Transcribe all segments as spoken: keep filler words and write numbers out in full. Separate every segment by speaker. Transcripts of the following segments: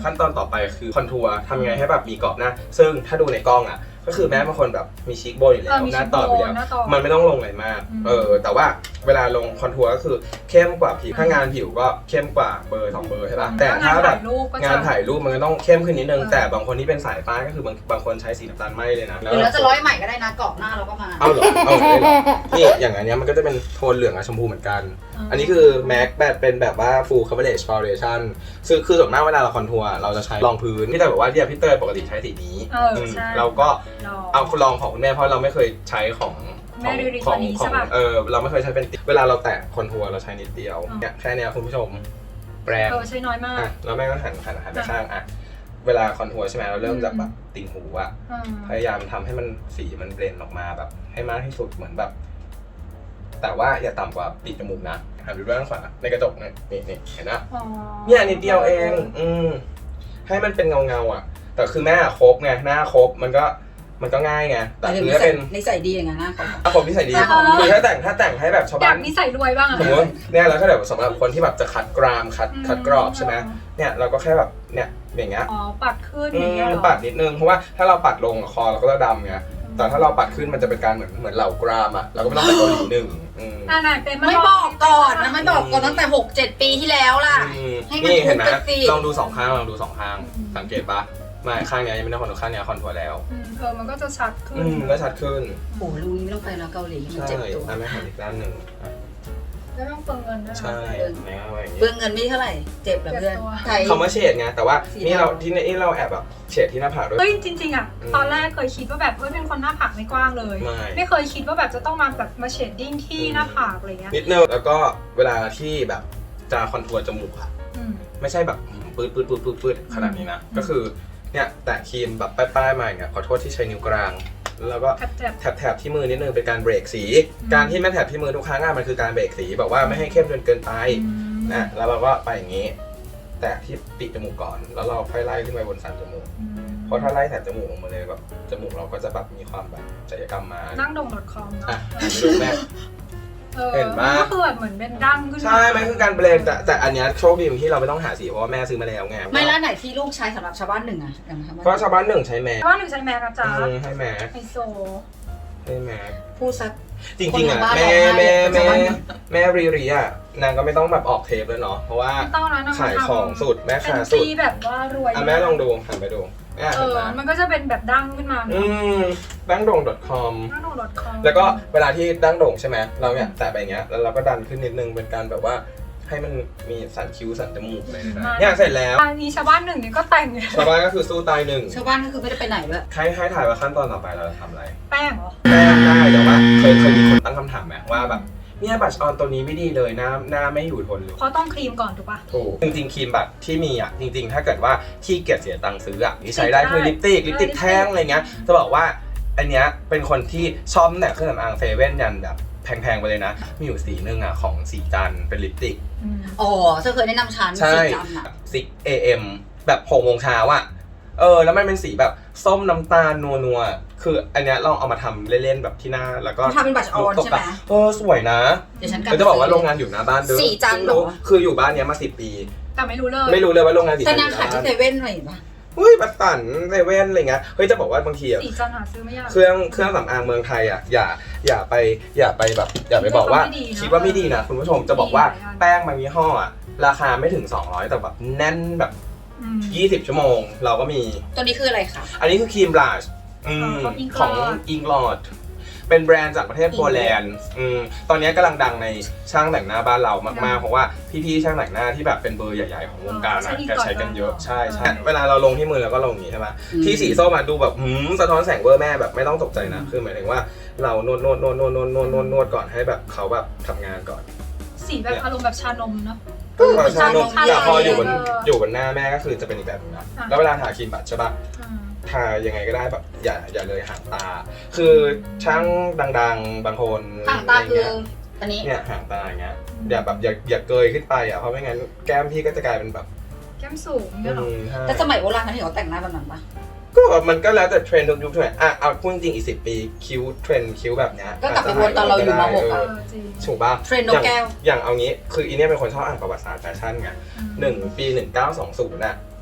Speaker 1: ขั้นตอนต่อไปคือคอนทัวร์ทำยังไงให้แบบมีกรอบหน้าซึ่งถ้าดูในกล้องอ่ะก็คือแม่บางคนแบบมีชีคโบนอยู่แล้วหน้าตอบอยู่แล้วมันไม่ต้องลงอะไรมากเออแต่ว่าเวลาลงคอนทัวร์ก็คือเข้มกว่าผิวถ้างานผิวก็เข้มกว่าเบอร์สองเบอร์ใช่ป่ะแต่ถ้าแบบงานถ่ายรูปมันก็ต้องเข้มขึ้นนิดนึงแต่บางคนที่เป็นสายฟ้าก็คือบางบางคนใช้สีน้ำตาลไหมเลยนะ
Speaker 2: หรือเราจะร้อยใหม่ก็ได้นะกรอบหน้าเราก็มา
Speaker 1: เอาเหรอเอาเลยเหรอนี่อย่างอันนี้มันก็จะเป็นโทนเหลืองกับชมพูเหมือนกันอันนี้คือแม็กแบบเป็นแบบว่า full coverage foundation คือคือส่วนมากเวลาเราคอนทัวร์เราจะใช้รองพื้นพี่เตยบอกว่าเนี่ยพี่เตยปกติใช้สีนี้เราก็เอาลองของคุณแม่เพราะเราไม่เคยใช้ของของของของเออเราไม่เคยใช้เป็นเวลาเราแตะคอนทัวร์เราใช้นิดเดียวเนี่ยแค่นี้คุณผู้ชมแปรง
Speaker 3: เออใช้น้อยมาก
Speaker 1: แล้วแม่ก็หันหันหันไปข้างอ่ะเวลาคอนทัวร์ใช่ไหมเราเริ่มจากแบบติ่งหูอ่ะพยายามทำให้มันสีมันเบลนด์ออกมาแบบให้มากที่สุดเหมือนแบบแต่ว่าอย่าต่ำกว่าปีกจมูกนะหันไปด้านขวาในกระจกเนี่ยนี่นี่เห็นนะเนี่ยนิดเดียวเองอืมให้มันเป็นเงาเงาอ่ะแต่คือแม่ครบไงหน้าครบมันก็มันก็ง่ายไงแต่คือถ้าเป็น
Speaker 2: นิสัยดีอย่างนั้นนะ
Speaker 1: ถ้าผมนิสัยดีคือถ้าแต่งถ้าแต่งให้แบบชาวบ้าน
Speaker 3: อยากนิสัยรวยบ้างอะ
Speaker 1: สมมติเนี่ยแล้วถ้าแบบสำหรับคนที่แบบจะคัดกรามคัดคัดกรอบใช่ไหมเนี่ยเราก็แค่แบบเนี่ยอย่างเงี้ย
Speaker 3: อ๋อปัดขึ้นอย่างเงี้ย
Speaker 1: ปัดนิดนึงเพราะว่าถ้าเราปัดลงคอเราก็จะดำไงแต่ถ้าเราปัดขึ้นมันจะเป็นการเหมือนเหมือนเหล่ากรามอ่ะเราก็ไม่ต้องไปเกาหลีหนึ่ง
Speaker 2: ไม่บอกก่อนนะไม่บอกก่อนตั้งแต่หกเจ็ดปีที่แล้วล่ะให้มันคุ้นกันสิ
Speaker 1: ลองดูสองข้างลองดูสองข้างสังเกตปะไม่ข้างนี้ยังไม่ได้คอนทัวร์ข้างนี้คอนทัวร์แล้ว
Speaker 3: เออมันก็จะชัดขึ้น
Speaker 1: อืมก็ชัดขึ้น
Speaker 2: โอ้ลุงไม่ต้องไปแล้วเกาหลีมันเจ็บตัว
Speaker 1: ใช่ไม่หันอีกด้านหนึ่ง
Speaker 3: ไม่ต้องเปลืองเงินนะ
Speaker 1: ใช่
Speaker 2: เปลืองเงินไม่เท่าไหร่เจ็บแบบเพื่อน
Speaker 1: คำว่าเฉดไงแต่ว่านี่เราที่นี่เราแอบแบบเฉดที่หน้าผากด้วย
Speaker 3: เฮ้ยจริงๆอ่ะตอนแรกเคยคิดว่าแบบเฮ้ยเป็นคนหน้าผากไม่กว้างเลยไม่เคยคิดว่าแบบจะต้องมาแบบมาเฉดดิ้งที่หน้าผากอะไรเงี้ย
Speaker 1: นิดนึงแล้วก็เวลาที่แบบจะคอนทัวร์จมูกอะไม่ใช่แบบปื๊ดปื๊ดปื๊ดปื๊ดปื๊ดขนาดนี้นะก็คือเนี่ยแตะครีมแบบป้ายๆมาอย่างเงี้ยขอโทษที่ใช้นิ้วกลางแล้วก็แถบๆที่มือนิดนึงเป็นการเบรกสีการที่แม่แถบที่มือทุกครั้งมันคือการเบรกสีแบบว่าไม่ให้เข้มจนเกินไปนะแล้วเราก็ไปอย่างนี้แตะที่ปีกจมูกก่อนแล้วเราค่อยไล่ขึ้นไปบนสันจมูกเพราะถ้าไล่แถบจมูกออกมาเลยแบบจมูกเราก็จะแบบมีความแบบศัลยกรรมมา
Speaker 3: นั่งดง .com
Speaker 1: เนาะดูแม่เห็นไหม
Speaker 3: ก็คือแบบเหมือนเป็นดั้งขึ้น
Speaker 1: ใช่มันคือการเบรกแต่แต่อันนี้โชคดีที่เราไม่ต้องหาสีเพราะว่าแม่ซื้อมาแล้วไง
Speaker 2: ไม่แล้วไหนที่ลูกใช้สำหรับชาวบ้านหนึ่งอะ
Speaker 1: เพราะชาวบ้านหนึ่งใช้แม็ก
Speaker 3: ชาวบ้านหนึ่งใช้แม็กจ้า
Speaker 1: ให้แม็ก
Speaker 3: ไฮโซ
Speaker 1: ให้แม็ก
Speaker 2: พูดซัก
Speaker 1: จริงๆอ่ะแม่แม่แม่แม่รีรีอ่ะนางก็ไม่ต้องแบบออกเทปแล้วเนาะเพราะว่าขายของสุดแม่ขายสุด
Speaker 3: แบบว่ารวย
Speaker 1: อ่ะแม่ลองดูหันไปดู
Speaker 3: เออมันก็จะเป็นแบบดั้งขึ้นมา
Speaker 1: อืมดั้งโด่ง .com
Speaker 3: ดั้งโด่ง .com
Speaker 1: แล้วก็เวลาที่ดั้งโด่งใช่ไหมเราเนี่ยแตะไปอย่างเงี้ยแล้วเราก็ดันขึ้นนิดนึงเป็นการแบบว่าให้มันมีสันคิ้วสันจมูกเลยนะเนี่ยเสร็จแล้ว
Speaker 3: อันนี้ชาวบ้านหนึ่งนี่ก็แต่ง
Speaker 1: ชาวบ้านก็คือสู้ตายหนึ่ง
Speaker 2: ชาวบ้านก็คือไม่ได้ไปไหนเลย
Speaker 1: ให้ให้ถ่ายว่าขั้นตอนต่อไปเราจะทำอะไร
Speaker 3: แป้งเหรอ
Speaker 1: แป้งได้แต่ว่าเคยเคยมีคนตั้งคำถามไหมว่าแบบเนี่ยบัชออนตัวนี้ไม่ดีเลยหน้าหน้าไม่อยู่ทนเลย
Speaker 3: เพราะต้องครีมก่อนถูกป่ะ
Speaker 1: ถูกจริงๆครีมแบบที่มีอ่ะจริงๆถ้าเกิดว่าที่เกียจเสียตังค์ซื้ออ่ะที่ใช้ได้คือลิปสติกลิปสติกแท่งอะไรเงี้ยจะบอกว่าอันเนี้ยเป็นคนที่ชอบแต่เครื่องสำอางเซเว่นยันแบบแพงๆไปเลยนะมีอยู่สีนึงอ่ะของสีจันเป็นลิปสติก
Speaker 2: อ๋อเธอเคยแนะนำฉัน
Speaker 1: สีจันอ่ะซิกเอเอ็มแบบหกโมงเช้าอ่ะเออแล้วมันเป็นสีแบบส้มน้ำตาลนัวๆคืออันเนี้ยลองเอามาทำเล่นๆแบบที่หน้าแล้วก็
Speaker 2: ทำเป็นบัชออนใช่ไหม
Speaker 1: เออสวยนะ
Speaker 2: เดี๋ยวฉัน
Speaker 1: จะบอกว่าโรงงานอยู่หน้าบ้านด้วย
Speaker 2: สีจันหรอ
Speaker 1: คืออยู่บ้านเนี้ยมาสิบปี
Speaker 3: แต่ไม่รู้เลย
Speaker 1: ไม่รู้เลยว่าโรงงานสีจัน
Speaker 2: แต่นางขายที่เซเว่นอะไรป่ะ
Speaker 1: เฮ้ยบัตตันเซเว่นอะไรเงี้ยเฮ้ยจะบอกว่าบางทีอ่ะ
Speaker 3: สีจันหาซื้อไม่ยาก
Speaker 1: เครื่องเครื่องสำอางเมืองไทยอ่ะอย่าอย่าไปอย่าไปแบบอย่าไปบอกว่าคิดว่าไม่ดีนะคุณผู้ชมจะบอกว่าแป้งบางยี่ห้ออ่ะราคาไม่ถึงสองร้อยแต่แบบแน่นแบบยี่สิบชั่วโมงเราก็มี
Speaker 2: ตัวนี้คืออะไรคะ
Speaker 1: อันนี้คือครีมบลัชของอิงลอดเป็นแบรนด์จากประเทศโปแลนด์ตอนนี้กำลังดังในช่างแต่งหน้าบ้านเรามากๆเพราะว่าพี่ๆช่างแต่งหน้าที่แบบเป็นเบอร์ใหญ่ๆของวงการนะแกใช้กันเยอะใช่ใช่เวลาเราลงที่มือเราก็ลงอย่างนี้ใช่ไหมที่สีส้มมาดูแบบหืมสะท้อนแสงเวอร์แม่แบบไม่ต้องตกใจนะคือหมายถึงว่าเรานวดนวดนวดนวดนวดนวดนวดนวดก่อนให้แบบเขาแบบทำงานก่อน
Speaker 3: สีแบบอารมณ์แบบชานมเนาะ
Speaker 1: ชานมแต่พออยู่บนอยู่บนหน้าแม่ก็คือจะเป็นอีกแบบนึงนะแล้วเวลาทาครีมบัตใช่ป่ะทายังไงก็ได้แบบอย่าอย่าเลยหางตาคือช่างดังๆบางคน
Speaker 2: หางตาคืออันนี้
Speaker 1: เนี่ยหางตาอย่างเงี้ยอย่าแบบอย่าอย่าเกยขึ้นไปอ่ะเพราะไม่งั้นแก้มพี่ก็จะกลายเป็นแบบ
Speaker 3: แก้มสูงเนี่ยหรอ
Speaker 2: แต่สมัยโบราณเขาเห็นเขาแต่งหน้าแบบนั้นปะ
Speaker 1: ก็มันก็แล้วแต่เทรนด์ทุกยุคทุกสมัยอ่ะเอาพูดจริงอีกสิบปีคิ้วเทรนด์คิ้วแบบเนี้ย
Speaker 2: ก็กลับไปวนตอนเราอยู่ม.หกอ่ะ
Speaker 1: ถูกป่ะ
Speaker 2: เทรนด์นกแก้ว
Speaker 1: อย่างเอางี้คืออีเนี่ยเป็นคนชอบอ่านประวัติศาสตร์แฟชั่นไงหนึ่งปีหนึ่งเก้าสองศูนย์น่ะ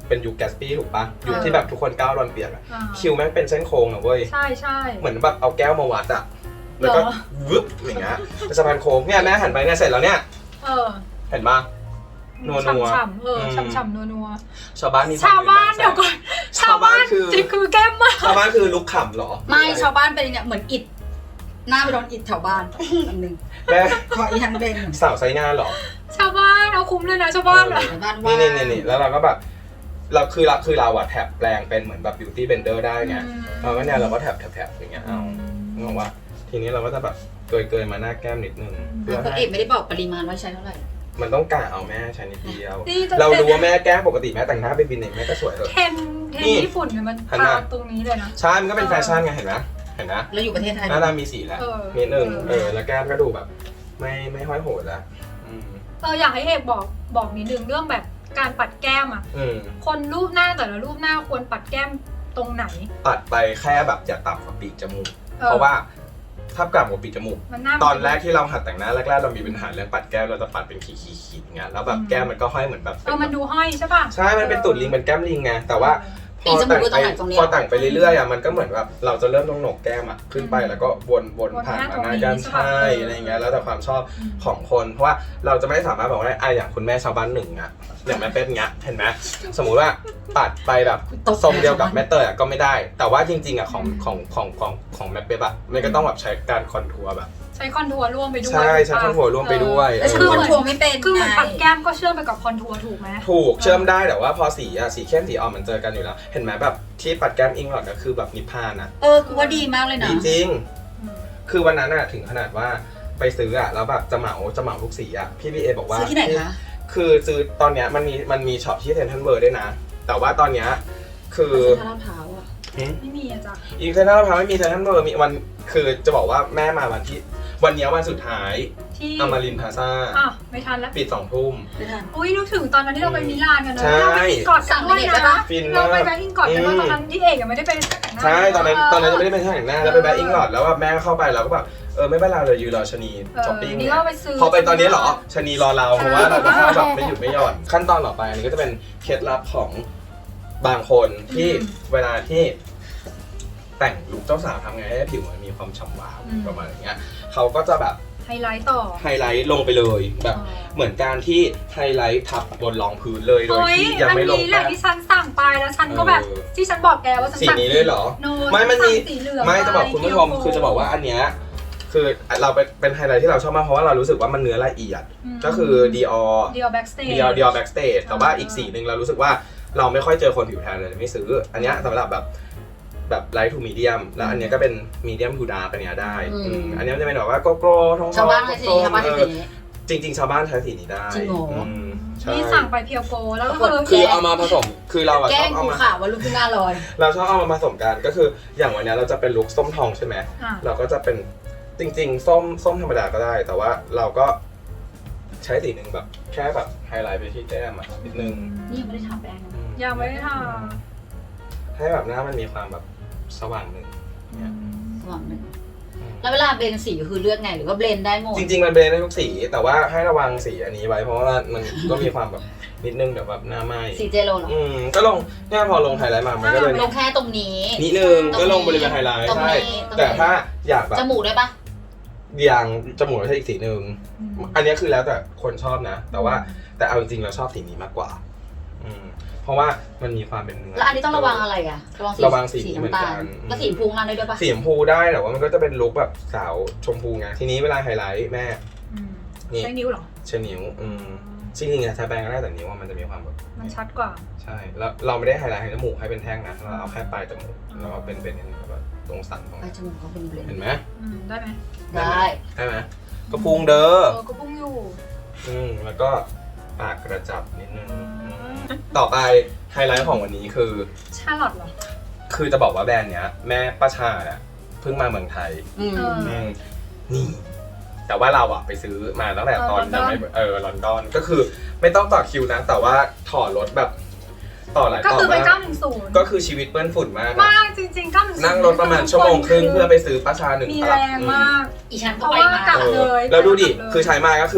Speaker 1: เป็นยุคแกสปี้ถูกปะยุคที่แบบทุกคนก้าวรอนเปียกอะ
Speaker 3: อ่า
Speaker 1: คิวแม่งเป็นเส้นโค้งนะเว้ย
Speaker 3: ใช่ใช่
Speaker 1: เหมือนแบบเอาแก้วมาวัดอะแล้วก็
Speaker 3: เหรอ
Speaker 1: วึบอย่างเงี้ยเป็นสะพานโค้งเนี่ยแม่หันไปเนี่ยเสร็จแล้วเนี่ย
Speaker 3: เออ
Speaker 1: เห็นปะ นัวๆ
Speaker 3: ฉ่ำๆเออ
Speaker 1: อืม
Speaker 3: ฉ่ำๆนัว
Speaker 1: ชาวบ้านมี
Speaker 3: ๆชาวบ้านเดี๋ยวก่อนชาวบ้าน
Speaker 1: คือ
Speaker 3: จริงคือแก้มมาก
Speaker 1: ชาวบ้านคือลุกขำเหรอ
Speaker 2: ไม่ชาวบ้านเป็นเนี่ยเหมือนอิฐหน้าไปโดนอิฐแถวบ้านอันหนึ่ง
Speaker 1: แม่
Speaker 2: ขออีทันเป็น
Speaker 1: สาวไซงานเหรอ
Speaker 3: ชาวบ้านเอาคุ้มเลยนะชาวบ้านอะ
Speaker 2: ชาวบ้านว่า
Speaker 1: นี่นี่นี่แล้วเราก็แบบเราคือเราคือเราอะแท็บแปลงเป็นเหมือนแบบ beauty blender ได้ไงเราก็เนี่ยเราก็แท็บแท็บแท็บอย่างเงี้ยเอางงว่าทีนี้เราก็จะแบบเกยเกยๆมาหน้าแก้มนิดนึงเพื่อ
Speaker 2: คน
Speaker 1: ให้
Speaker 2: เอกไม่ได้บอกปริมาณว่าใช้เท่าไหร่
Speaker 1: มันต้องกะเอาแม่ใช้นิดเดียว
Speaker 3: นี่จะ
Speaker 1: เรารู้ว่าแม่แก้มปกติแม่แต่งหน้าเป็นบินเองแม่ก็สวยเลย
Speaker 3: เทนเทน
Speaker 1: นี่
Speaker 3: ญี่ปุ่นเนี่ยมัน
Speaker 1: หัน
Speaker 3: ทา
Speaker 1: มา
Speaker 3: ตรงนี้เลยนะ
Speaker 1: ใช่มันก็เป็นแฟชั่นไงเห็นไหมเห็นไหม
Speaker 2: แล้วอยู่ประเทศไทย
Speaker 1: หน้าตามีสีแล้ว
Speaker 3: เออ
Speaker 1: นิดนึง
Speaker 3: เออ
Speaker 1: เออแล้วแก้มก็ดูแบบ ไม่ไม่ห้อยโหดแล้วอืม
Speaker 3: เอออยากให้เอกบอกบอกนิดนึงเรื่องแบบการปัดแก้มอ่ะ
Speaker 1: อืม
Speaker 3: คนรูปหน้าแต่ละรูปหน้าควรปัดแก้มตรงไหน
Speaker 1: ตัดไปแค่แบบอย่าต่ำกว่าปีกจมูก
Speaker 3: ออ
Speaker 1: เพราะว่าถ้ากลับกว่าปีกจมูก
Speaker 3: มันหน้า
Speaker 1: ตอนแรกที่เราหัดแต่งหน้าแรกๆเรามีปัญหาเรื่องปัดแก้มเราจะปัดเป็นขีดๆๆอย่างเงี้ยแล้วแบบแก้มมันก็ห้อยเหมือนแบบ
Speaker 3: เออมันดูห้อยใช่ป่ะ
Speaker 1: ใช่มันเป็นตุ่นลิงเป็นแก้มลิงไงแต่ว่าพ
Speaker 2: ปี
Speaker 1: อ
Speaker 2: จมู
Speaker 1: แต่
Speaker 2: ก
Speaker 1: ง
Speaker 2: คือตรงไหนตรงนี้
Speaker 1: ไปพอแต่งไปเรื่อยๆอ่ะมันก็เหมือนแบบเราจะเริ่มตรงโหนกแก้มอ่ะขึ้นไปแล้วก็วนวนผ่านมาหน้าแก้มใช่อะไรอย่างเงี้ยแล้วแต่ความชอบของคนเพราะว่าเราจะไม่สามารถบอกว่าอ่ะอย่างคุณแม่ชาวบ้านหนึ่งอ่ะอย่างแม่เป๊ะเงี้ยเห็นไหมสมมุติว่าปัดไปแบบทรงเดียวกับแม่เตยอ่ะก็ไม่ได้ แต่ว่าจริงๆอ่ะของของของของของแม่เป๊ะอ่ะมันก็ต้องแบบใช้การคอนทัวร์แบบ
Speaker 3: ใช้คอนทัวร์ร่วมไปด้วย
Speaker 1: ใช่ใช้คอนทัวร์ร่วมไปด้วย
Speaker 2: แล้วฉันคอนทัวร์ไม่เป็น
Speaker 3: คือเหมือน
Speaker 2: ไง
Speaker 3: ปัดแก้มก็เชื่อมไปกับคอนทัวร์ถูกไหม
Speaker 1: ถูกเชื่อมได้แต่ว่าพอสีอ่ะสีเข้มสีอ่อนมันเจอกันอยู่แล้ว เห็นไหมแบบที่ปัดแก้มอิงหลอดก็คือแบบนิพพานอ่ะ
Speaker 2: เออกูว่าดีมากเลยนะ
Speaker 1: ดีจริง
Speaker 3: อืม
Speaker 1: คือวันนั้นอ่ะถึงขนาดว่าไปซื้ออ่ะแล้วแบบจะเหมาจะเหมาทุกสีอ่ะพี่พีเอบอกว่า
Speaker 2: ซื้อที่ไหนคะ
Speaker 1: คือซื้อตอนเนี้ยมันมีมันมีช็อปที่เซ็นทรัลเวิลด์ด้วยนะ แต่ว่าตอนเนี้ยคือ
Speaker 2: เซ็นทรัลลาดพร้าวอะ
Speaker 3: ไม่มีอะจ้ะ
Speaker 1: อีกเซ็นทรัลลาดพร้าวไม่มีเซ็นทรัลเวิลด์มีวันคือจะบอกว่าแม่มาวันที่วันเนี้ยวันสุดท้าย
Speaker 3: ที่
Speaker 1: อมรินทร์พลาซ่า
Speaker 3: อ่ะไม่ทันแล้ว
Speaker 1: ปิดสองทุ่ม
Speaker 2: ไม่ทัน
Speaker 3: อุ้ยนึกถึงตอนนั้นที่เราไปมิลานกันนะ
Speaker 1: ใช่
Speaker 3: เราไปอินกอดกันด้วย
Speaker 2: สั่งไปเด็ดได้
Speaker 3: นะ
Speaker 2: ปะ
Speaker 1: ฟิน
Speaker 3: เรา
Speaker 1: มาก
Speaker 3: ไปแบงก์อินกอดกันด้วย
Speaker 1: อืม
Speaker 3: ตอนนั้นที่เอกยังไม่ได้ไปแต่งหน้า
Speaker 1: ใช่ตอนนั้นตอนนั้นยังไม่ได้ไปแต่งหน้าแล้วไปแบงก์อิงหลอดแล้วแบบแม่ก็เข้าไปแล้วก็แบบเออไม่เป็นไรเลยยืนรอชะนี
Speaker 3: เออ
Speaker 1: ช้อปปิ้ง
Speaker 3: นี่ก็ไปซื้อ
Speaker 1: พอไปตอนนี้เหรอชะนีรอเราเพราะว่าเราจะเข้าแบบไม่หยุดไม่หย่อนขั้นตอนต่อไปอันนี้ก็จะเป็นเคล็ดลับของบางคนที่เวลาที่แต่งลุคเจ้าสาวทำไงให้ผิวมันมีความฉ่ำวาวประมาณอย่างเงี้ยเขาก็จะแบบ
Speaker 3: ไฮไลท์ต่อ
Speaker 1: ไฮไลท์ลงไปเลยแบบเหมือนการที่ไฮไลท์ทับบนรองพื้นเลยโดย
Speaker 3: เฮ้ย
Speaker 1: ที่ยัง
Speaker 3: อัน
Speaker 1: ไม่ลง
Speaker 3: นี้แหละ
Speaker 1: แป้ง
Speaker 3: ที่ฉันสั่งไปแล้วฉันก็แบบ
Speaker 1: เออ
Speaker 3: ที่ฉันบอกแกว่าฉัน
Speaker 1: สี
Speaker 3: สั่ง
Speaker 1: นี้เลยเหรอ
Speaker 3: โน
Speaker 1: ไม่มันมี
Speaker 3: สั่งสีเหลือง
Speaker 1: ไม่จะบอกคุณผู้ชม
Speaker 3: ไป
Speaker 1: คือจะบอกว่าอันเนี้ยคือเราเป็นเป็นไฮไลท์ที่เราชอบมากเพราะว่าเรารู้สึกว่ามันเนื้อละเอียด
Speaker 3: ม
Speaker 1: ก็คือ Dior
Speaker 3: เดียวแบ็กสเตจ
Speaker 1: Dior Dior Backstage แต่ว่า
Speaker 3: อ่า
Speaker 1: อีกสีหนึ่งเรารู้สึกว่าเราไม่ค่อยเจอคนผิวแทนเลยไม่ซื้อ อันเนี้ยสำหรับแบบแบบ light to medium แล้วอันเนี้ยก็เป็น medium to dark อันเนี้ยได้
Speaker 2: อืม
Speaker 1: อืมอันเนี้ยมันจะเป็นแบบว่าโกโก้ทอง
Speaker 2: ชาวบ้านใช้สีนี้ชาวบ้านใช้สีนี้
Speaker 1: จริง ๆ ชาวบ้านใช้สีนี้ได้
Speaker 2: จริงเหรออื
Speaker 1: มใช่
Speaker 3: นี่สั่งไปเพียวโกแล้วก็
Speaker 2: ปรากฏ
Speaker 3: คือ
Speaker 1: คือเอามาผสมคือเราอะ
Speaker 2: แก
Speaker 1: ช
Speaker 2: ล้
Speaker 1: อง บเอา
Speaker 2: กู
Speaker 1: มา
Speaker 2: ข่าวว่าลูกขึ้นหน้าลอย
Speaker 1: เราชอบเอามาผสมกันก็คืออย่างวันเนี้ยเราจะเป็นลุคส้มทองใช่ไหม
Speaker 3: อ่ะ
Speaker 1: เราก็จะเป็นจริงๆ ส้มส้มธรรมดาก็ได้ แต่ว่าเราก็ใช้สีหนึ่งแบบแค่แบบไฮไลท์ไปที่แก้มอะนิดนึง
Speaker 2: นี่ยังไม่ได้ทาแป้งนะ
Speaker 1: อืม
Speaker 3: ยังไม่ได้ทา
Speaker 1: ให้แบบหน้ามันมีความแบบสว่างหนึ่งเนี่ย
Speaker 2: สว่างหนึ่ง
Speaker 1: อืม
Speaker 2: แล้วเวลาเบลนสีคือเลือกไงหรือว่าเบลนได้หมด
Speaker 1: จริงๆมันเบลนได้ทุกสี แต่ว่าให้ระวังสีอันนี้ไว้เพราะว่ามันก็มีความแบบนิดนึงเดี๋ยวแบบหน้าไหม้
Speaker 2: สีเจโรเหรอ
Speaker 1: อืมก็ลงเนี่ยพอลงไฮไลท์มามันก็เลย
Speaker 2: ลงแค่ตรงนี้
Speaker 1: นิดนึงก็ลงบริเวณไฮไลท์
Speaker 2: ตรงนี้
Speaker 1: ใช่
Speaker 2: ตรงนี้
Speaker 1: แต่ถ้าอยากแบบ
Speaker 2: จมูกได้ปะ
Speaker 1: อย่างจมูกเราใช้อีกสีหนึ่ง
Speaker 3: อืม
Speaker 1: อันนี้คือแล้วแต่คนชอบนะ แต่ว่าแต่เอาจริงๆเราชอบสีนี้มากกว่า อืมเพราะว่ามันมีความเป็นเนื้อ
Speaker 2: แล้วอันนี้ต้องระวังอะไรอ่ะ
Speaker 1: ระวังสี
Speaker 2: สี
Speaker 1: เหมือน
Speaker 2: น้ำตา
Speaker 1: กั
Speaker 2: ล
Speaker 1: น
Speaker 2: แล้วสีพุงนั่นได้ด้วยปะ
Speaker 1: สีชมพูได้แต่ว่ามันก็จะเป็นลุคแบบสาวชมพูไงทีนี้เวลาไฮไลท์แม่
Speaker 3: อืม
Speaker 1: นี่
Speaker 3: ใช้นิ้วเหรอ
Speaker 1: ใช้นิ้วอืมจริงๆอะใช้แปรงก็ได้แต่นิ้วว่ามันจะมีความแบบ
Speaker 3: มันชัดกว่า
Speaker 1: ใช่แล้วเราไม่ได้ไฮไลท์ให้จมูกให้เป็นแท่งนะเราเอาแค่ปลายจมูกแล้วก็เป็นเป็นแบบตรงสันตรง
Speaker 2: ไป
Speaker 1: นี้
Speaker 2: จมูกเขาเป็นเบลน
Speaker 1: เห็นไหม
Speaker 3: อืมได้ไหม
Speaker 2: ได้
Speaker 1: ได้ไหมก็พุงเด้อ
Speaker 3: เออก็พุ่งอยู่
Speaker 1: อืมแล้วก็ปากกระจับนิดนึงอืมต่อไปไฮไลท์ของวันนี้คือ
Speaker 3: ชาลอตเหรอ
Speaker 1: คือจะบอกว่าแบรนด์เนี้ยแม่ป้าชาเนี่ยเพิ่งมาเมืองไทย
Speaker 2: อืม
Speaker 3: เออ
Speaker 1: อืมนี่ แต่ว่าเราอะไปซื้อมาตั้งแต่ตอน
Speaker 3: เออ
Speaker 1: ยังไม่เออลอนดอนก็คือไม่ต้องต่อคิวนะ แต่ว่าถอดรถแบบต่อหลาย
Speaker 3: ก็
Speaker 1: ต่อ
Speaker 3: คือไป
Speaker 1: มาก
Speaker 3: เก้าหนึ่งศูนย์
Speaker 1: ก็คือชีวิตเปื้อนฝุ่นมากอะ
Speaker 3: มากจริงๆเก้าหนึ่งศูนย์
Speaker 1: นั่งรถประมาณชั่วโมงครึ่งเพื่อไปซื้อป้าชาหนึ่ง
Speaker 3: มี
Speaker 1: ต
Speaker 3: แร
Speaker 1: ลับ
Speaker 3: ง
Speaker 1: อืม
Speaker 3: มาก
Speaker 2: อีฉัน
Speaker 3: เพ
Speaker 2: ก็
Speaker 3: ราะ
Speaker 2: ไป
Speaker 3: ว่า
Speaker 2: มา
Speaker 3: กลับ
Speaker 1: เออ
Speaker 3: เลย
Speaker 1: แล้วดูดิ
Speaker 3: กลับเลย
Speaker 1: คือใช้มาก็คือแบบ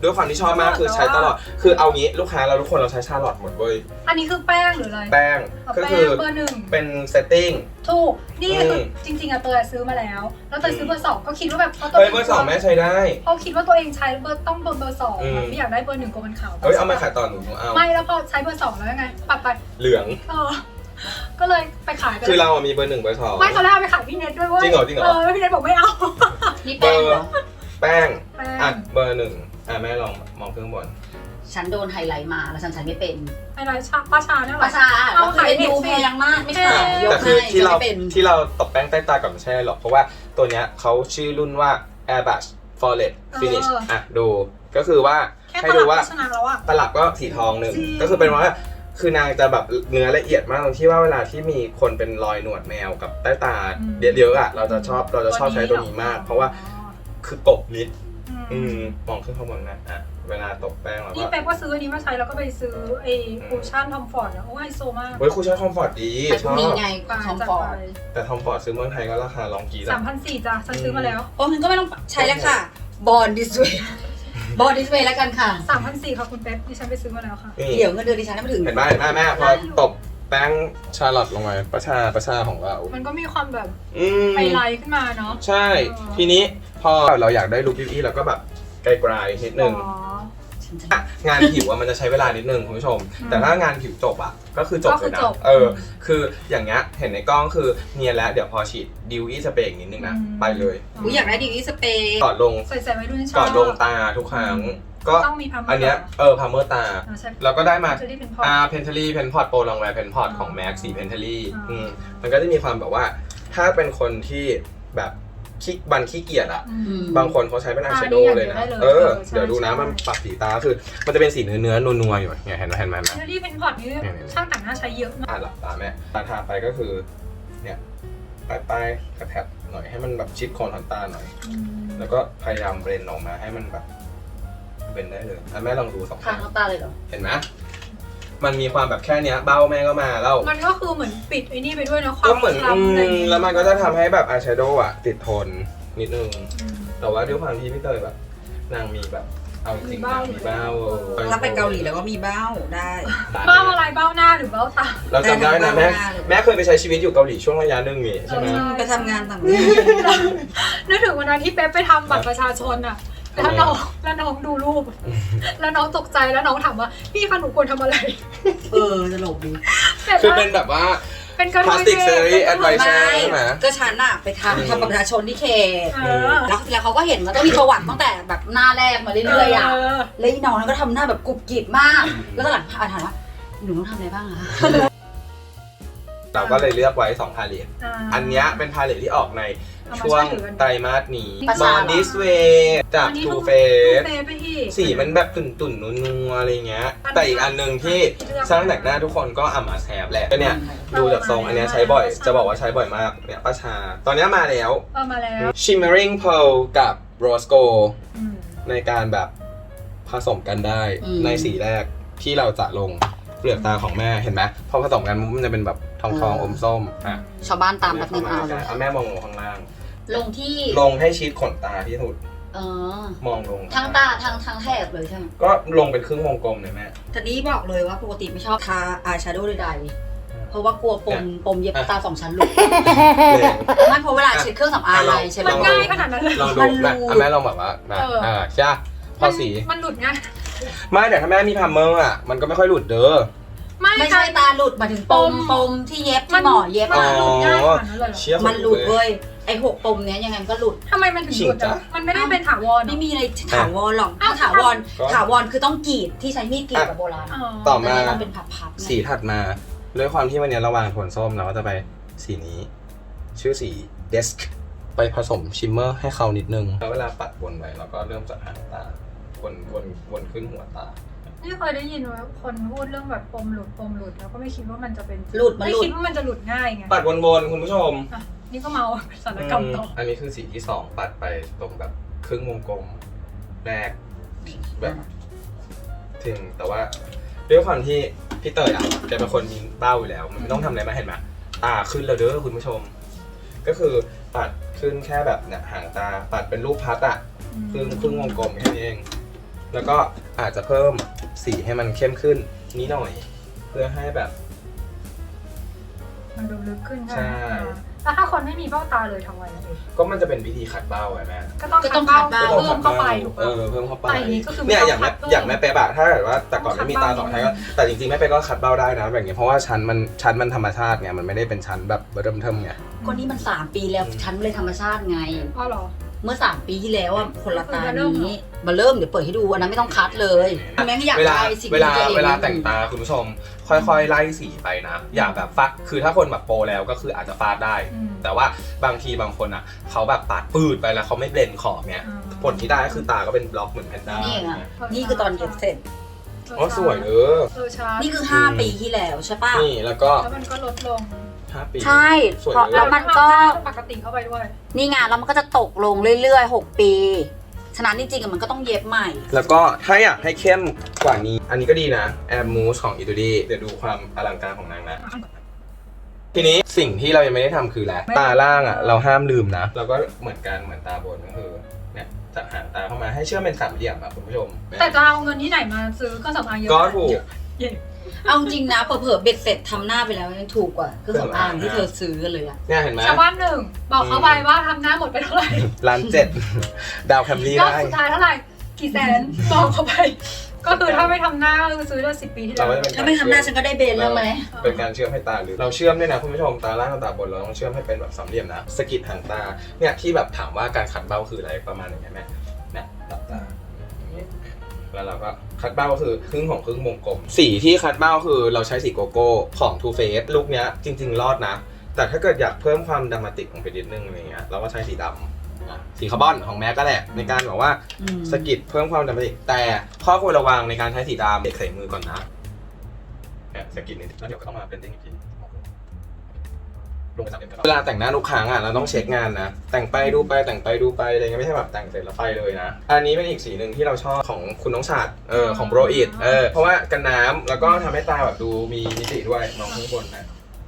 Speaker 1: ด้วยความที่ชอบมากคือใช้ตลอดคือเอางี้ลูกค้าเราทุกคนเราใช้ชาร์ลอตหมดเว้ย
Speaker 3: อันนี้คือแป้งหรืออะไร
Speaker 1: แป้งก็คือ
Speaker 3: เบอร์หนึ่ง
Speaker 1: เป็นเซตติ้ง
Speaker 3: ถูกนี่คือจริงๆอะเตยซื้อมาแล้วแล้วเตยซื้อเบอร์สองก็คิดว่าแบบเพราะตัว
Speaker 1: เฮ้ยเบอร์สองแม่ใช้ได้
Speaker 3: เขาคิดว่าตัวเองใช้เบอร์ต้องเบอร์เบอร์สองไม่อยากได้เบอร์หนึ่งกลัวมันขาว
Speaker 1: เฮ้ยเอามาขายต่อหนูหนูเอา
Speaker 3: ไม่แล้วพอใช้เบอร์สองแล้วยังไงปรับไป
Speaker 1: เหลือง
Speaker 3: เออก็เลยไปขายไป
Speaker 1: คือเราอะมีเบอร์หนึ่งเบอร์สอง
Speaker 3: ไม่ตอนแรกเอาไปขายพี่เน็ตด้วยเว้ย
Speaker 1: จริงเหรอจริงเหรอ
Speaker 3: เออพี่เน็ตบอกไม่เอา
Speaker 2: นี่
Speaker 1: เบ
Speaker 2: แป้
Speaker 1: อง
Speaker 2: เหร
Speaker 1: ร์
Speaker 2: อ
Speaker 1: แป้ง
Speaker 3: แป้ง
Speaker 1: อ่ะเบอร์หนึ่งอ่ะแม่ลองมองเครื่องบน
Speaker 2: ฉันโดนไฮไลท์มาแล้วฉันใช้ไม่เป็น
Speaker 3: อะไรชาป้าชาเนี่ยเหร
Speaker 2: ป
Speaker 3: อ
Speaker 2: ระชาเราเคยดูแพงมากไม่ใช่ยก
Speaker 1: แต่คื
Speaker 2: ให้
Speaker 1: อที่
Speaker 2: ฉัน
Speaker 1: เรา
Speaker 2: ไม่เป็น
Speaker 1: ที่เราตบแป้งใต้ตาก่อนไม่ใช่หรอกเพราะว่าตัวเนี้ยเขาชื่อรุ่นว่า Airbrush Flawless Finish อ่ะดูก็คือว่า
Speaker 3: แค่
Speaker 1: ให้
Speaker 3: ต
Speaker 1: ดู
Speaker 3: ลับ
Speaker 1: ว่า
Speaker 3: ก็ชนะแล้วอะ
Speaker 1: ตลับก็สีทองหนึ่ง
Speaker 3: จริง
Speaker 1: ก็คือเป็นว่าคือนางจะแบบเนื้อละเอียดมากตรงที่ว่าเวลาที่มีคนเป็นรอยหนวดแมวกับใต้ตาเยอะๆอ่ะเราจะชอบเราจะชอบใช้ตัวนี้มาก เพราะว่าคือกบนิดอืมมองขึ้นข้างบนนะอ่ะเวลาตบแป้งแล้ว
Speaker 3: นี่
Speaker 1: ก็
Speaker 3: แป๊บก็ซื้ออันนี้มาใช้แล้วก็ไปซื้อไอ้คูชั่นทอมฟอร์ดนะโอ้ไฮโซมาก
Speaker 1: เฮ้ยคุณใช้คอมฟอร์ตดี
Speaker 2: แต่
Speaker 1: ช
Speaker 2: พว
Speaker 1: อก
Speaker 2: นี้
Speaker 1: บ
Speaker 2: ไงคอมฟอร์ต
Speaker 1: แต่ทอมฟอร์ตซื้อเมืองไทยก็ราคาลองกี
Speaker 3: สามพันสี่จ้ะฉันซื้อมาแล้ว
Speaker 2: โอ้มันก็ไม่ต้องใช้แล้วค่ะบอลดิสเวย์บอลดิสเวย์แล้วกันค่ะ
Speaker 3: สามพันสี่ค่ะคุณเป๊ปดิฉันไปซื้อมาแล้วค่ะ
Speaker 1: นี่
Speaker 2: เดี๋ยวเงินเดือนดิฉันไม่ถึง
Speaker 1: เห็นไหมเห็นไหมแม่พอตบแป้งชาร์ลอตลงไปประชาประชาของเรา
Speaker 3: มันก็มีความแบบ
Speaker 1: อืม
Speaker 3: ไฮไลท์ขึ้นมาเนาะ
Speaker 1: ใช่ ทีนี้พอเราอยากได้ลุคพี่ๆเราก็แบบไกลๆนิดนึง
Speaker 3: อ๋อ
Speaker 1: อ่ะงานผิวอะมันจะใช้เวลานิดนึงคุณผู้ชม
Speaker 3: อืม
Speaker 1: แต่ถ้างานผิวจบอะก็คือจบ
Speaker 3: ก็คื
Speaker 1: เล
Speaker 3: อย
Speaker 1: นะ
Speaker 3: จบ
Speaker 1: เออ คืออย่างเงี้ยเห็นในกล้องคือเนียนแล้วเดี๋ยวพอฉีดดิวอี้สเปรย์อีกนิดนึงนะ
Speaker 3: อืม
Speaker 1: ไปเลย
Speaker 2: อุ๊ยอยากได้ดีวีสเปรย์
Speaker 1: ก่อนลง
Speaker 3: ใส่ใส่ไว้รุ่นชอบ
Speaker 1: ก่อนลงตาทุกครั้ง ก็
Speaker 3: ต้องมีพัมเมอร์
Speaker 1: อันเนี้ยเออพาเมอร์ตา
Speaker 3: เราใช้
Speaker 1: เราก็ได้มา
Speaker 3: จะได้เป็นพอ
Speaker 1: อ่าเพนท a ลี่เพนพอร์ตโปรลองแวร์เพนพอร์ต
Speaker 3: อ๋อ
Speaker 1: ของแม็กสีเพนท a ลี่
Speaker 3: อ๋ออื
Speaker 1: อืมมันก็จะมีความแบบว่า ถ้าเป็นคนที่แบบขี้บันขี้เกียจอะ
Speaker 2: อืม
Speaker 1: บางคนเขาใช้เป็นอาย
Speaker 3: อ่า
Speaker 1: แชโดว์เลยนะ
Speaker 3: นี่อย่างเดียวได้เลย
Speaker 1: เออ
Speaker 3: เออใช่
Speaker 1: เดี๋ยวดูนะ
Speaker 3: ใช่
Speaker 1: มันปรับสีตาคือ มันจะเป็นสีเนื้อเนื้อๆนัวๆอยู่เนี่ยเห็นไหมเห็นไหมเห็นไหม
Speaker 3: เทอรี่เพนพอร์ตนี่
Speaker 1: เนี่ยๆ
Speaker 3: ช่างแต่งหน้าใช้เยอะมาก
Speaker 1: อ่ะหลับตาแม่ตาทาไปก็คือ เนี่ยปลายปลายๆกระแทบหน่อยให้มันแบบชิดโคนขนตาหน่อย
Speaker 3: อืม
Speaker 1: แล้วก็พยายามเบรนออกมาให้มันแบบเบนได้เลยอ่ะแม่ลองดูสอง
Speaker 2: ทา
Speaker 1: ข้าง
Speaker 2: เข้าตาเลยเหรอ
Speaker 1: เห็นไหมมันมีความแบบแค่เนี้ยเบ้าแม่ก็มาแล้ว
Speaker 3: มันก็คือเหมือนปิดไอ้นี่ไปด้วยนะควา
Speaker 1: ก็
Speaker 3: ม
Speaker 1: เหมือน
Speaker 3: คล้ำอะไรอย่าง
Speaker 1: อืม
Speaker 3: เงี้ย
Speaker 1: แล้วมันก็จะทำให้แบบอายแชโดว์อะติดทนนิดนึง
Speaker 3: อืม
Speaker 1: แต่ว่าด้วยความที่พี่เตยแบบนางมีแบบเอาจริง
Speaker 3: มีเบ้า
Speaker 1: นางมีเบ้าเออ
Speaker 2: ถ้าไปเกาหลีแล้วก็มีเบ้าได้
Speaker 3: เบ้าอะไรเบ้าหน้าหรือเบ้าตา
Speaker 1: เราจำได้นะแม่
Speaker 2: ได้
Speaker 1: แม่เคยไปใช้ชีวิตอยู่เกาหลีช่วงระยะหนึ่งนี่ใช่ไหม
Speaker 3: เออ
Speaker 2: ไปทำงานต่างประเทศ
Speaker 3: นึกถึงวันนั้นที่เป๊ปไปทำบัตรประชาชนอะแล้วน้องแล้วน้องดูรูป แล้วน้องตกใจแล้วน้องถามว่าพี่คะหนูควรทำอะไร
Speaker 2: เออตลกดี
Speaker 1: คือเป็นแบบว่า
Speaker 3: เป็นกระ
Speaker 1: พลาสติกเซอรี่แอดไวเซอร์ใช่ไหม
Speaker 2: ก็ฉันอะไปทำทำบัตรประชาชนที่เขต
Speaker 3: เออ
Speaker 2: แล้วแล้วเขาก็เห็นว่าต้องมีประวัติตั้งแต่แบบหน้าแรกมาเรื่อยๆอ่ะ แล้วอีน้องนั้นก็ทำหน้าแบบกรุบกริบมาก แล้วก็หลังอ่านถามว่าหนูต้องทำอะไรบ้างอะ
Speaker 1: เราก็เลยเลือกไว้สองพาเลต
Speaker 3: า
Speaker 1: อันเนี้ยเป็นพาเลตที่ออกใน
Speaker 3: เอามา
Speaker 1: ช่วง
Speaker 3: ช่วยถือกัน
Speaker 1: ไตรมาสนี้
Speaker 2: ภา
Speaker 1: บ
Speaker 2: ษา
Speaker 1: อ
Speaker 2: เหรอ
Speaker 1: นดิสเวจาก
Speaker 3: อันนี้
Speaker 1: ทู
Speaker 3: ดู
Speaker 1: เฟ
Speaker 3: ดู
Speaker 1: ส
Speaker 3: เฟซไปอีก
Speaker 1: สีมันแบบตุ่นตุ่นๆนัวๆอะไรเงี้ย
Speaker 3: อันนี้
Speaker 1: แต่อีกอันหนึ่งที่
Speaker 3: เลือก
Speaker 1: ช่างแต่งหน้าทุกคนก็อ่ำมาแซบแหละก็เนี่ย
Speaker 3: เออ
Speaker 1: ดูจากทรง
Speaker 3: มา
Speaker 1: อันเนี้ย
Speaker 3: แล้ว
Speaker 1: ใช้บ่อย
Speaker 3: มาแล้ว
Speaker 1: จะบอกว่าใช้บ่อยมากเนี่ยป้าชา ตอนเนี้ยมาแล้ว
Speaker 3: เออมาแล้ว
Speaker 1: Shimmering Pearl กับ Rose Gold
Speaker 3: อืม
Speaker 1: ในการแบบผสมกันได้
Speaker 2: อืม
Speaker 1: ในสีแรกที่เราจะลงเปลือกตาของแม่เห็นไหมพอผสมกันมันจะเป็นแบบทองทองๆอมส้มอ่ะ
Speaker 2: ชาวบ้านตามแบบนึงเอาเลย
Speaker 1: เอาแม่มองลงข้างล่าง
Speaker 2: ลงที่
Speaker 1: ลงให้ชิดขนตาที่สุด
Speaker 2: เออ
Speaker 1: มองลง
Speaker 2: ทั้งตาทั้งทั้งแถบเลยใช่ไหม
Speaker 1: ก็ลงเป็นครึ่งวงกลมเลยแม่
Speaker 2: ทีนี้บอกเลยว่าปกติไม่ชอบทาอายแชโดว์ใดๆเพราะว่ากลัวปมปมเย็บตาสองชั้นหลุด ไม่เพราะเวลาเช็ดเครื่องสำอางอะไรใช่ไหม
Speaker 3: มันง่ายขนาดนั้นเลย
Speaker 1: ลองดู
Speaker 2: มันรู
Speaker 1: แม่อ่ะแม่ลองแบบว่านะ
Speaker 3: เอออ่
Speaker 1: อ่าใช่ปะพอสี
Speaker 3: มันหลุดง่าย
Speaker 1: ไม่แต่ถ้าแม่มีพัมเมอร์อ่ะมันก็ไม่ค่อยหลุดเด้อ
Speaker 2: ไม่ใช่ตาหลุดมาถึงปมปมที่เย็บที่หมอเย็บ
Speaker 3: มัน
Speaker 2: อะ
Speaker 3: หลุดง่ายขนาดนั้นเลยเหรอ
Speaker 1: เชี่ย
Speaker 2: มันหลุดเว้ยไอ้หกปมเนี้ยยังไงมันก็หลุด
Speaker 3: ทำไมมันถึงหลุดอ่ะมันไม่ได้เป็นถาวร
Speaker 2: ไม่มีอะไรถาวรหรอก
Speaker 3: อ้า
Speaker 2: ถ้าว ถาวรถาวรคือต้องกรีดที่ใช้มีดกรีดแบบโบราณ
Speaker 3: อ๋อ
Speaker 1: ต่อมา
Speaker 2: แต่เนี่ยมันเป็นพับๆไง
Speaker 1: สีถัดมาด้วยความที่วันนี้เราวางโทนส้มเราก็จะไปสีนี้ ชื่อสี Desk ไปผสมชิมเมอร์ให้เขานิดนึงแล้วเวลาปัดวนไปเราก็เริ่มจากหางตาวนวนวนขึ้นหัวตา
Speaker 3: นี่เคยได้ยินว่าคนพูดเรื่องแบบปมหลุดปมหลุดแล้วก็ไม่คิดว่ามันจะเป็น
Speaker 2: หลุดมัน
Speaker 3: ไม่
Speaker 2: หลุด
Speaker 3: คิดว่ามันจะหลุดง่ายไง
Speaker 1: ปัดวนๆคุณผู้ชม
Speaker 3: อ่ะนี่ก็เมาสารกรรมต่อ
Speaker 1: อันนี้คือสีที่สองปัดไปตรงแบบครึ่งวงกลมแรกแบบถึงแต่ว่าด้วยความที่พี่เตยอ่ะแกเป็นคนมีเบ้าอยู่แล้วมันไม่ต้องทำอะไรมาเห็นไหมตาขึ้นแล้วเด้อคุณผู้ชม ก็คือปัดขึ้นแค่แบบเนี่ยหางตาปัดเป็นรูปพัดอ่ะครึ่งครึ่งวงกลมแค่นี้เองแล้วก็อาจจะเพิ่มสีให้มันเข้มขึ้นนิดหน่อย เพื่อให้แบบ
Speaker 3: มันดูลึกขึ้นใช่ไหม
Speaker 1: ใช่
Speaker 3: แล้วถ้าคนไม่มีเบ้าตาเลยทำไงอะเอง
Speaker 1: ก็มันจะเป็นวิธีขัดเบ้าไงแม่
Speaker 3: ก็ต้อง
Speaker 2: ก็ต้อง
Speaker 3: ขัด
Speaker 2: ขัดเบ้า
Speaker 3: เบ้าเพิ่มเข้าไปถูก
Speaker 1: เอ
Speaker 3: ปะ
Speaker 1: อเพิ่มเข้าไป
Speaker 3: แต่อย่างนี้ก็คือ
Speaker 1: เนี่ย
Speaker 3: ไม่
Speaker 1: อย่าง
Speaker 3: ต้
Speaker 1: แม่
Speaker 3: องขัดเพิ่ม
Speaker 1: อย่างแม่เป๊ะอะถ้าเกิดว่าแต่ก่อนไม่มีตาสองชั้นก็แต่จริงๆแม่เป๊ะก็ขัดเบ้าได้นะแบบนี้เพราะว่าชั้นมันชั้นมันธรรมชาติไงมันไม่ได้เป็นชั้นแบบเริ่มเทิมไง
Speaker 2: ก็นี่มันสามปีแล้วฉันเลยธรรมชาติไง
Speaker 3: อ๋อเหรอ
Speaker 2: เมื่อสามปีที่แล้วอ่ะคนละตา
Speaker 3: มาเริ่มเหรอ
Speaker 2: นี้มาเริ่มเดี๋ยวเปิดให้ดูอันนั้นไม่ต้องคัดเลยแม่งอยาก
Speaker 1: เวลา
Speaker 2: ได้สิ่ง
Speaker 1: เวลา
Speaker 2: ที่ตัวอง
Speaker 1: เวลาแต่งตาคุณผู้ชม ค่อยๆไล่สีไปนะ อย่าแบบฟาดคือถ้าคนแบบโปรแล้วก็คืออาจจะฟาดได้
Speaker 3: อืม
Speaker 1: แต่ว่าบางทีบางคนอ่ะเขาแบบปาดปืดไปแล้วเขาไม่เบลนขอบเนี่ย
Speaker 3: อ่า
Speaker 1: ผลที่ได้ก็คือตาก็เป็นบล็อกเหมือนแพนด้า
Speaker 2: นี่ไง
Speaker 1: เนี่ย
Speaker 2: นี่คือตอนเก็บเสร็จ
Speaker 1: อ๋อสวยเออ
Speaker 3: เออช้า
Speaker 2: นี่คือห้าปีที่แล้วใช่ป่ะ
Speaker 1: นี่แล้วก็
Speaker 3: แล้วมันก็ลดลง
Speaker 1: ห้าปี
Speaker 2: ใช่
Speaker 1: สวย
Speaker 2: เพราะ
Speaker 1: เลย
Speaker 2: แล้วมันก็
Speaker 3: ปกติเข้าไปด้วย
Speaker 2: นี่ไงแล้วมันก็จะตกลงเรื่อยๆหกปี ฉะนั้นจริงๆอะมันก็ต้องเย็บใหม่
Speaker 1: แล้วก็ถ้าอยากให้เข้มกว่านี้ อันนี้ก็ดีนะแอมมูสของอิตูดี้เดี๋ยวดูความอลังการของนางนะ ทีนี้สิ่งที่เรายังไม่ได้ทำคืออะไรตาล่างอ่ะเราห้ามลืมนะเราก็เหมือนกันเหมือนตาบนก็คือเนี่ยจับหางตาเข้ามาให้เชื่อมเป็นสามเหลี่ยมอ่ะคุณผู้ชม
Speaker 3: แต่จะเอาเงินที่ไหนมาซื้อเครื่องสำอางเยอะ
Speaker 1: ก็ถูก
Speaker 3: เย่
Speaker 2: เอาจริงนะเผลอๆเบ็ดเสร็จทำหน้าไปแล้วยังถูกกว่าเครื่องสำอางที่เธอซื้อกันเลยอะ
Speaker 1: เนี่ยเห็นไหม
Speaker 3: ชาวบ้านหนึ่งบอกเขาไปว่าทำหน้าหมดไปเท่าไหร่
Speaker 1: ล้านเจ็ดดาวแคมรี่
Speaker 3: ยอด
Speaker 1: ได้
Speaker 3: สุดท้ายเท่าไหร่กี่แสนบอกเขาไป ก็คือถ้าไม่ทำหน้าก็คือซื้อได้สิบปีที่แล้
Speaker 1: เรา
Speaker 3: ว
Speaker 1: ก็จะเป็น
Speaker 2: ถ้าไม่ทำหน้าฉันก็ได้เบนแล้วไหม
Speaker 1: เป็นการเชื่อมให้ตาหรือเราเชื่อมด้วยนะคุณผู้ชมตาล่างกับตาบนเราต้องเชื่อมให้เป็นแบบสามเหลี่ยมนะสะกิดหางตาเนี่ยที่แบบถามว่าการขัดเบ้าคืออะไรประมาณอย่างเงี้ยแม่เนี่ยหลับตาอย่างงี้แล้วเราก็คัดเบ้าก็คือครึ่งของครึ่งวงกลมสีที่คัดเบ้าคือเราใช้สีโกโก้ของ Too Faced ลุคเนี้ยจริง ๆ รอดนะ แต่ถ้าเกิดอยากเพิ่มความดรามาติกลงไปนิดนึงอะไรเงี้ยเราก็ใช้สีดำอ่ะสีคาร์บอนของแม็กก็แหละในการแบบว่า
Speaker 2: อืม
Speaker 1: สะกิดเพิ่มความดรามาติกแต่ข้อควรระวังในการใช้สีดำเด็กใส่มือก่อนนะเนี่ยสะกิดนิดแล้วเดี๋ยวก็ต้องมาเป็นติ้งอีกทีลงไปสามเหลี่ยมเวลาแต่งหน้าทุกครั้งอ่ะเราต้องเช็คงานนะแต่งไปดูไปแต่งไปดูไปอะไรเงี้ยไม่ใช่แบบแต่งเสร็จแล้วไปเลยนะอันนี้เป็นอีกสีหนึ่งที่เราชอบของคุณน้องชาติเออของโบรอิดเออเพราะว่ากันน้ำแล้วก็ทำให้ตาแบบดูมีมิติด้วยมองข้างบนนะ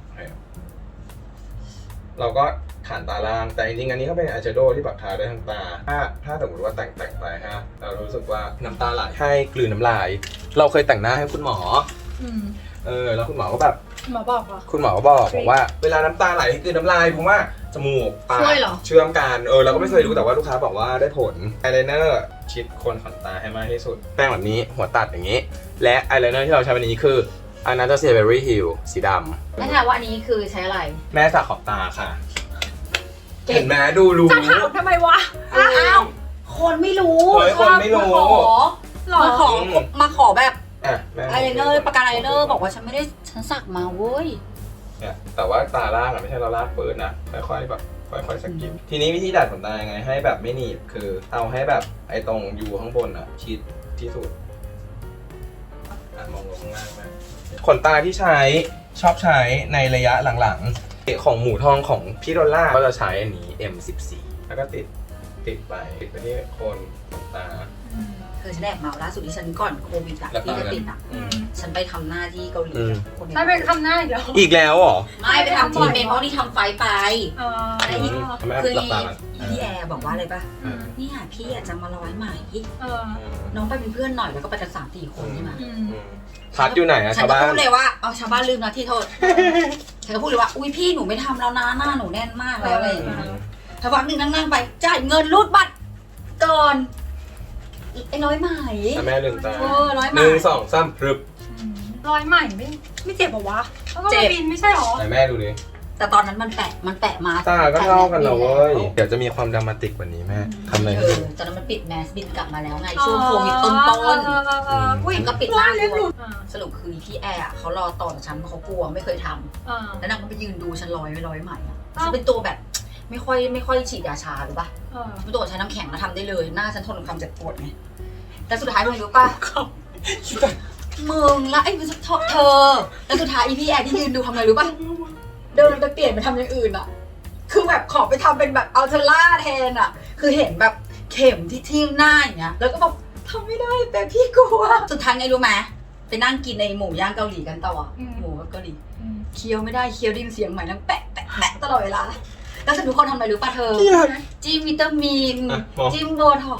Speaker 1: เราก็ฐานตาล่างแต่จริงๆอันนี้ก็เป็นอายแชโดว์ที่แบบทาได้ทั้งตาถ้าถ้าสมมติว่าแต่งแต่งไปฮะเรารู้สึกว่าน้ำตาไหลให้กลืนน้ำลาย เราเคยแต่งหน้าให้คุณหมอ
Speaker 3: อืม
Speaker 1: เออแล้วคุณหมอก็แบบ
Speaker 3: หมอบอกเหรอ
Speaker 1: คุณหมอก็บอกบอกว่าเวลาน้ำตาไหลให้กลืนน้ำลายเพราะว่าจมูกปาก
Speaker 2: ช่วยเหรอ
Speaker 1: เชื่อมกันเออเราก็ไม่เคยรู้แต่ว่าลูกค้าบอกว่าได้ผลอายไลเนอร์ชิดโคนขนตาให้มากที่สุดแป้งแบบนี้หัวตัดอย่างนี้ และอายไลเนอร์ที่เราใช้วันนี้คือ Anastasia Beverly Hills สีดำ
Speaker 2: ไม่ถามว่าอันนี้คือใช้อะไร
Speaker 1: แม่สาขอบตาค่ะเห็นไหมดูรู้
Speaker 3: จะถามทำไมวะ
Speaker 2: อ้าวคนไม่รู้
Speaker 1: เฮ้ยคนไม่รู้
Speaker 2: มาขอ
Speaker 3: หรอ
Speaker 2: มาขอมาขอแบบ
Speaker 1: อ่ะแม่
Speaker 2: ไอายไลเนอร์ประกันไอายไลเนอร์บอกว่าฉันไม่ได้ฉันสักมาเว้ย
Speaker 1: เนี่ยแต่ว่าตาล่างอ่ะไม่ใช่เราลากปืนนะค่อยๆแบบค่อยๆสกิปทีนี้วิธีดัดขนตายังไงให้แบบไม่หนีบคือเอาให้แบบไอ้ตรงยูข้างบนอ่ะชิดที่สุดอ่ะมองลงข้างล่างนะขนตาที่ใช้ชอบใช้ในระยะหลังๆของหมูทองของพี่ดอลล่าก็จะใช้อันนี้ เอ็ม สิบสี่ แล้วก็ติดติดไปติดไปที่โคนขนตา
Speaker 3: อืม
Speaker 2: เธอฉันแอบเมาล่าสุดที่ฉันก่อนโควิดอะ
Speaker 1: แล้ว
Speaker 2: ที่จะติดอะ
Speaker 1: อืม
Speaker 2: ฉันไปทำหน้าที่เกาหลี
Speaker 1: อืม
Speaker 2: คน
Speaker 3: ได้ไปทำหน้าอีกแล้ว
Speaker 1: อีกแล้วเหรอ
Speaker 2: ไม่ไปทำทีเป็นเพราะที่ทำไฟไป
Speaker 3: อ๋อ
Speaker 2: ไอ้ที่
Speaker 1: ทำไม
Speaker 2: คือ
Speaker 1: หลับตาก่อน
Speaker 2: พี่แอร์บอกว่าอะไรป่ะ
Speaker 3: อืม
Speaker 2: เนี่ยพี่อยากจะมาร้อยไหม
Speaker 3: เออ
Speaker 2: น้องไปเป็นเพื่อนหน่อยแล้วก็ไปกันสามสี่คนใช่ไหม
Speaker 3: อืม
Speaker 1: อืมพัดอยู่ไหนอะ
Speaker 2: ฉัน
Speaker 1: ชาว
Speaker 2: ก็
Speaker 1: บ้าน
Speaker 2: พูดเลยว่าเอาชาวบ้านลืมนะที่โทษ ฉันก็พูดเลยว่าอุ้ยพี่หนูไม่ทำแล้วนะหน้าหนูแน่นมากแล้วอะไรอย่างเงี้ยถ้าวันหนึ่งนั่งๆไปจ่ายเงินรูดบัตรก่อนไอ้น้อยไหม
Speaker 1: อ่ะแม่ลืมตา
Speaker 2: เออร้อยไหม
Speaker 1: หนึ่งสองสามพรึบ
Speaker 3: อืมรอยใหม่ไม่ไม่เจ็บเหรอวะแล้วก็
Speaker 2: เจ็
Speaker 3: มา
Speaker 2: บ
Speaker 3: บินไม่ใช่หรอ
Speaker 1: ไหนแม่ดูดิ
Speaker 2: แต่ตอนนั้นมันแปะมันแปะมา
Speaker 1: ตาก็เท่ากันนะเว้ย เดี๋ยวจะมีความดรามาติกกว่านี้แม่ทำอะไร
Speaker 2: เออตอนนั้นมันปิดแมสบินกลับมาแล้วไงช่วงโควิดต้นต้น
Speaker 3: เออเออเอออุ้ย
Speaker 2: มันก็ปิดหน้า
Speaker 3: เล็บหลุด
Speaker 2: สรุปคือพี่แอร์อะเขารอต่อจากฉันเพราะเขากลัวไม่เคยทำ
Speaker 3: อ่า
Speaker 2: แล้วนางก็ไปยืนดูฉันร้อยไม่ร้อยใหม่อะ
Speaker 3: อ้าว
Speaker 2: ฉันเป็นตัวแบบไม่ค่อยไม่ค่อยฉีดยาชาหรือปะ
Speaker 3: เออ
Speaker 2: ฉันเป็นตัวใช้น้ำแข็งแล้วทำได้เลยหน้าฉันทนกับความเจ็บปวดไงแต่สุดท้ายมึงรู้ปะมึงแล้วไอ้เธอแล้วสุดท้ายอีพี่แอร์ที่ยืนดูทำอะไรรู้ปะเดินไปเปลี่ยนไปทำอย่างอื่นอะคือแบบขอไปทำเป็นแบบอัลเทอร่าแทนอะคือเห็นแบบเข็มที่ทิ่มหน้าอย่างเงี้ยแล้วก็แบบทำไม่ได้แต่พี่กลัวสุดท้ายไงรู้ไหมไปนั่งกินในหมูย่างเกาหลีกันต่ออะหมูเกาหลี
Speaker 3: อืม
Speaker 2: เคี้ยวไม่ได้เคี้ยวได้ยินเสียงใหม่นั่งแปะแปะแปะตลอดเวลาแล้วฉันทุกคนทำอะไรรู้ป่ะเธอ จิ้มวิตามิน
Speaker 1: อ่ะมอง
Speaker 2: จิ้มโบท็อกซ์กู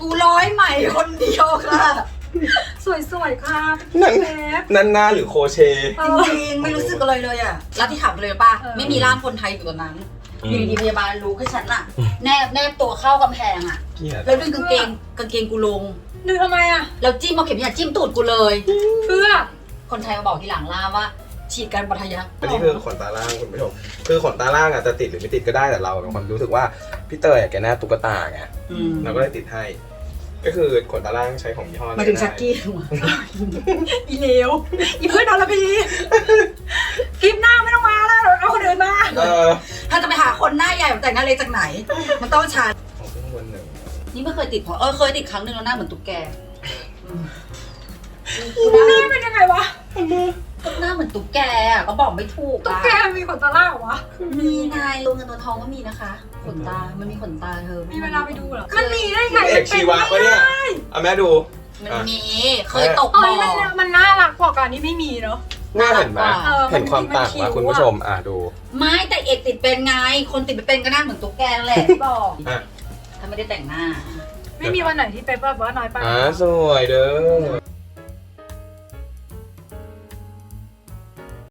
Speaker 2: กูร้อยใหม่คนเดียวค่ะ
Speaker 3: สวยๆค่ะ
Speaker 1: นั่น
Speaker 3: แป๊บ
Speaker 1: นั่นหน้าหรือโคเช
Speaker 3: เอ
Speaker 2: จ
Speaker 3: อ
Speaker 2: ริงๆไม่รู้สึกอะไรเลยอ่ะแล้วที่ถามเลยป่ะ
Speaker 3: เออ
Speaker 2: ไม่มีร่ามคนไทยอยู่ตอนนั้น
Speaker 1: อืม
Speaker 2: อยู่ดีๆพยาบาลรู้ให้ฉันอ่ะ แนบแนบตัวเข้ากำแพงอ่ะ
Speaker 1: เกลียด
Speaker 2: แล้วดึงกางเกงกางเกงกูลง
Speaker 3: ดึงทำไมอ่ะ
Speaker 2: แล้วจิ้มเอาเข็มยาจิ้มตูดกูเลย
Speaker 3: เพื่อ
Speaker 2: คนไทยมาบอกทีหลังล่ามว่า ฉีดการปัทยัก
Speaker 1: อันนี้คือขนตาล่างคุณผู้ชมคือขนตาล่างอ่ะจะติดหรือไม่ติดก็ได้แต่เราเป็นคนรู้สึกว่าพี่เตยอะแกแนบตุ๊กตาไง
Speaker 2: อืม
Speaker 1: เราก็เลยติดให้ ก็คือขนตาล่างใช้ของยี่ห้อ
Speaker 2: มาถึงชักกี้หัว
Speaker 3: อีเลวอีเพื่อนนรพีคลิปหน้าไม่ต้องมาแล้วเอาคนอื่นมา
Speaker 1: เออ
Speaker 2: ถ้าจะไปหาคนหน้าใหญ่แต่งหน้าเล็กจากไหน มันต้องชา
Speaker 1: ของเพิ่งวันหนึ่ง
Speaker 2: นี่ไม่เคยติดเพราะเออเคยติดครั้งหนึ่งแล้วหน้าเหมือนตุ๊กแกอืม
Speaker 3: หน้าเป็นยังไงวะ
Speaker 2: หน้าเหมือนตุ๊กแกอะก็บอกไม่ถูก
Speaker 3: ตุ๊ก
Speaker 2: อะ
Speaker 3: แกมีขนตาล่างเหรอวะ
Speaker 2: มีนายตัวเงินตัวทองก็มีนะคะขนตา มันมีขนตาเธอ
Speaker 3: มีเวลาไปดูเหรอมันมีได้ไง
Speaker 1: เอกชีวะปะเนี่ยเอาแม่ดู
Speaker 2: มันมีเคยตก
Speaker 3: เอ้
Speaker 2: บ่
Speaker 3: ยมัน
Speaker 2: อ
Speaker 3: มันน่ารักกว่าการที่ไม่มีเนาะ
Speaker 1: น่าเห็นไหม
Speaker 3: เออ
Speaker 1: เห็นความต่าง
Speaker 3: มันคิ้
Speaker 1: ว่าว คุณผู้ชมอ่ะดู
Speaker 2: ไม่แต่เอกติดเป็นไง คนติดไม่เป็นก็หน้าเหมือนตุ๊กแกนั่นแหละที่บอก
Speaker 1: อ่ะ
Speaker 2: ถ้าไม่ได้แต่งหน้า
Speaker 3: ไม่มีวันไหนที่เป๊ปแบบว่าน้อยไป
Speaker 1: อ่าสวยเด้อ